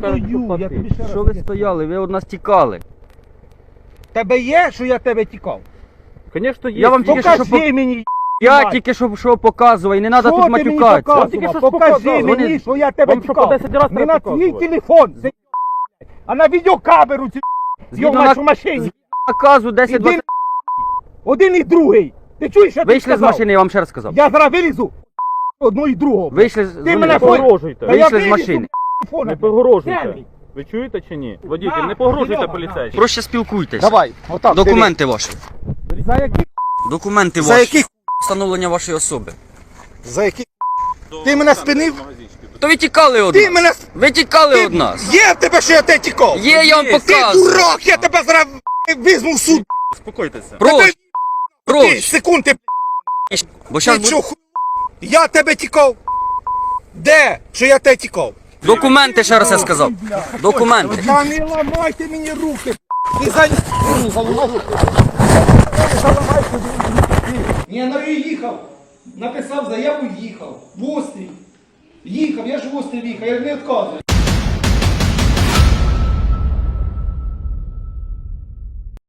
стою, я тобі ще раз Що ви поясню. стояли? Ви від нас тікали. Тебе є, що я тебе тікав? Конечно, є. Я вам тільки що Покажи мені, Я їбать. тільки що показував, і не треба Що тут ти мені матюкатися. показував? тільки що Покажи показував. мені, Вони- що я тебе Вам що, тікав. по 10 раз Не треба на твій показувати? телефон, а на відеокамеру ці Згідно йомаєш на- в машині. Наказу 10-20. Іди, один і другий. Ти чуєш, що ти Вийшли з сказав? машини, я вам ще раз сказав. Я зараз вилізу одну і другого. Вийшли з Ти мене Не вони- погрожуйте. Та я Вийшли з вилізу, машини. Не погрожуйте. Сергій. Ви чуєте чи ні? Водитель, На, не погрожуйте Серега, поліцейським. Проще спілкуйтесь. Давай, отак. Документи ваші. За які? Документи За ваші. які? Встановлення вашої особи. За які? Ти мене спинив? То ви тікали від Ти нас. мене... Ви тікали від нас. Є в тебе, що я тебе тікав? Є, я вам Ти показую. дурак, я тебе зараз візьму в суд. Успокойтеся. Проще. Ти Проще. секунд, ти Бо Ти зараз що, я тебе тікав? Де? Що я тебе тікав? документи, ще раз я сказав. Документи. Та не ламайте мені руки. Ти за... Не заламай руки. Ні, ну і їхав. Написав заяву, їхав. В острів. Їхав, я ж в острів їхав, я не відказую.